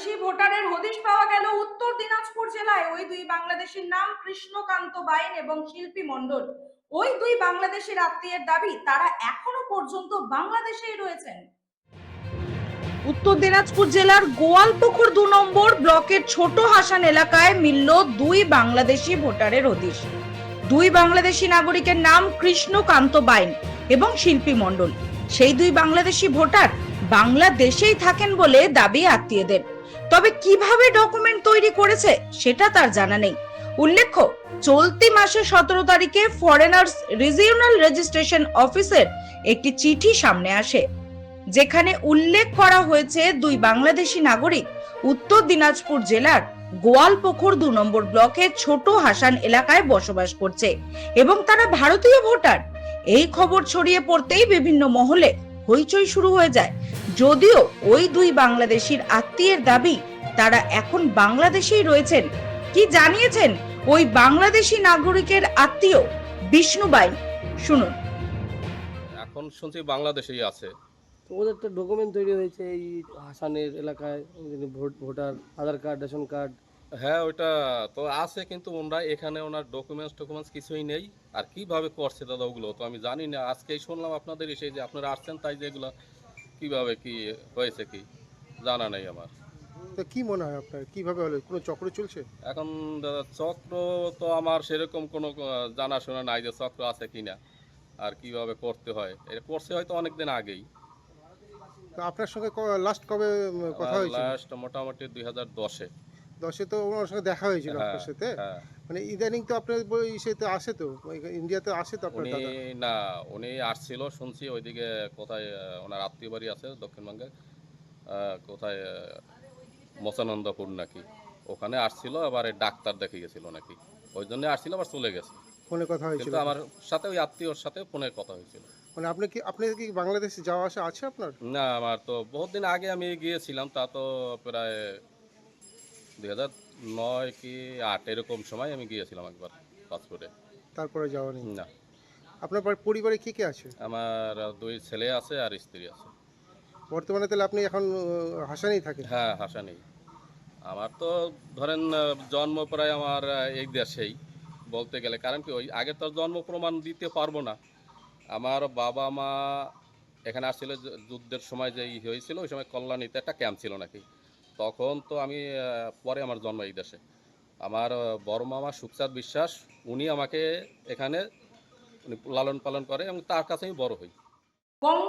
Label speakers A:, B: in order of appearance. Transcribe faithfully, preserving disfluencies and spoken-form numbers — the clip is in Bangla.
A: বাংলাদেশি ভোটারের হদিশ পাওয়া গেল উত্তর দিনাজপুর জেলায়। ওই দুই বাংলাদেশির নাম কৃষ্ণকান্ত বাইন এবং শিল্পী মণ্ডল। ওই দুই বাংলাদেশির আত্মীয়ের দাবি তারা এখনো পর্যন্ত বাংলাদেশেই রয়েছেন। উত্তর দিনাজপুর জেলার গোয়ালপুকুর দু নম্বর ব্লকের ছোট হাসান এলাকায় মিলল দুই বাংলাদেশি ভোটারের হদিশ। দুই বাংলাদেশি নাগরিকের নাম কৃষ্ণকান্ত বাইন এবং শিল্পী মণ্ডল। সেই দুই বাংলাদেশি ভোটার বাংলাদেশেই থাকেন বলে দাবি আত্মীয়দের। তবে কিভাবে ডকুমেন্ট তৈরি করেছে সেটা তার জানা নেই। উল্লেখ্য, চলতি মাসে সতেরো তারিখে ফরেনার্স রিজিওনাল রেজিস্ট্রেশন অফিসের একটি চিঠি সামনে আসে, যেখানে উল্লেখ করা হয়েছে দুই বাংলাদেশি নাগরিক উত্তর দিনাজপুর জেলার গোয়ালপুকুর দু নম্বর ব্লকের ছোট হাসান এলাকায় বসবাস করছে এবং তারা ভারতীয় ভোটার। এই খবর ছড়িয়ে পড়তেই বিভিন্ন মহলে হইচই শুরু হয়ে যায়। যদিও ওই দুই বাংলাদেশির আত্মীয়ের দাবি তারা এখন বাংলাদেশেই রয়েছেন। কি জানিয়েছেন ওই বাংলাদেশি নাগরিকের আত্মীয় বিষ্ণু বাইন, শুনুন।
B: এখন শুনছি বাংলাদেশেই আছে।
C: তো ওদের তো ডকুমেন্ট তৈরি হয়েছে এই হাসানের এলাকায়, vote voter Aadhaar card, ration card.
B: হ্যাঁ, ওইটা তো আছে, কিন্তু ওনারা এখানে ওনার ডকুমেন্টস টকুমেন্টস কিছুই নেই। আর কিভাবে করছে দাদা ওগুলো তো আমি জানি না। আজকেই শুনলাম আপনাদের এসে যে আপনারা আসছেন, তাই যে এগুলো কীভাবে কি হয়েছে কি জানা নেই আমার।
D: তো কি মনে হয় আপনার, কিভাবে হলো? কোনো চক্র চলছে
B: এখন দাদা চক্র তো আমার সেরকম কোনো আহ, জানাশোনা নাই যে চক্র আছে কিনা আর কিভাবে করতে হয়। এটা করছে হয়তো অনেকদিন আগেই।
D: তো আপনার সঙ্গে লাস্ট কবে উম, কথা হয়েছিল?
B: লাস্ট মোটামুটি দুই হাজার দশে।
D: দশে তো ওনার সঙ্গে দেখা হয়েছিল
B: হ্যাঁ,
D: আপনার সাথে।
B: হ্যাঁ।
D: মানে ইদানিং তো আপনার বই সেতে আসে, তো ওই- ইন্ডিয়াতে আসে তো আপনার
B: উনি
D: দাদা।
B: না, উনি আসছিল শুনছি ওইদিকে কোথায় আহ, ওনার আত্মীয় বাড়ি আছে দক্ষিণবঙ্গে, আহ, কোথায় আহ, মচানন্দপুর নাকি, ওখানে আসছিল। আবার এই ডাক্তার দেখে গেছিল নাকি, ওই জন্য আসছিল, আবার চলে গেছে।
D: ফোনে কথা হয়েছিল?
B: কিন্তু আমার সাথে ওই আত্মীয়র সাথে ফোনের কথা হয়েছিল।
D: মানে আপনি কি আপনি কি বাংলাদেশে যাওয়া আসা আছে আপনার?
B: না, আমার তো বহুত দিন আগে আমি গিয়েছিলাম, তা তো প্রায় দুই হাজার নয় কি আট এরকম সময় আমি গিয়েছিলাম একবার পাসপোর্টে।
D: তারপরে যাওয়া নেই?
B: না,
D: আপনার পর- পরিবারে কে কে আছে?
B: আমার দুই ছেলে আছে আর স্ত্রী আছে।
D: বর্তমানে তাহলে আপনি এখন আহ, হাসানেই থাকেন?
B: হ্যাঁ, হাসা নেই। আমার তো ধরেন আহ, জন্ম প্রায় আমার আহ, এই দেশেই বলতে গেলে, কারণ কি ওই আগে তো জন্ম প্রমাণ দিতে পারবো না। আমার বাবা মা এখানে আসছিল যু- যুদ্ধের সময় যে ই হয়েছিল, ওই সময় কল্যাণীতে একটা ক্যাম্প ছিল নাকি, তখন তো আমি আহ, পরে আমার জন্ম এই দেশে। আমার আহ, বড় মামা সুখচাঁদ বিশ্বাস, উনি আমাকে এখানে উনি লালন পালন করে এবং তার কাছে আমি বড় হই।